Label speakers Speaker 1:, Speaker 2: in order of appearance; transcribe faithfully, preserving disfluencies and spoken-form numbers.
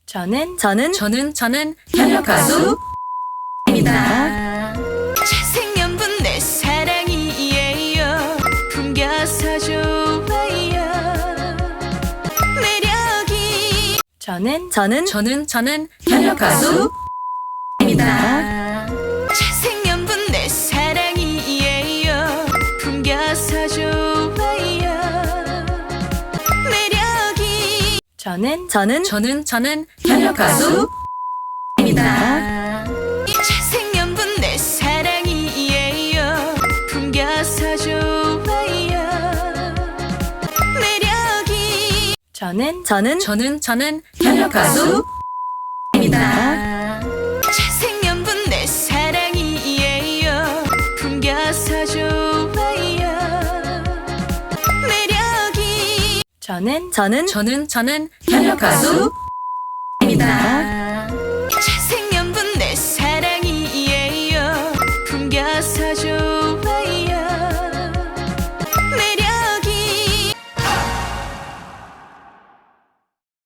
Speaker 1: 저는 저는
Speaker 2: 저는 저는 현역 가수입니다.
Speaker 3: 잘생긴 내 사랑이에요. 풍겨서 좋아요. 매력이
Speaker 1: 저는 저는
Speaker 2: 저는 저는 현역 가수입니다.
Speaker 3: 잘생긴 내 사랑이에요. 풍겨서 좋아요. 매력이
Speaker 1: 저는 저는
Speaker 2: 저는 저는 현역 가수입니다.
Speaker 3: 잘생긴 내 사랑이에요. 풍겨서 좋아요. 매력이
Speaker 1: 저는 저는
Speaker 2: 저는 저는 현역 가수입니다.
Speaker 3: 잘생긴 내 사랑이에요. 풍겨서 좋아요. 매력이
Speaker 1: 저는 저는
Speaker 2: 저는 저는 현역 가수입니다.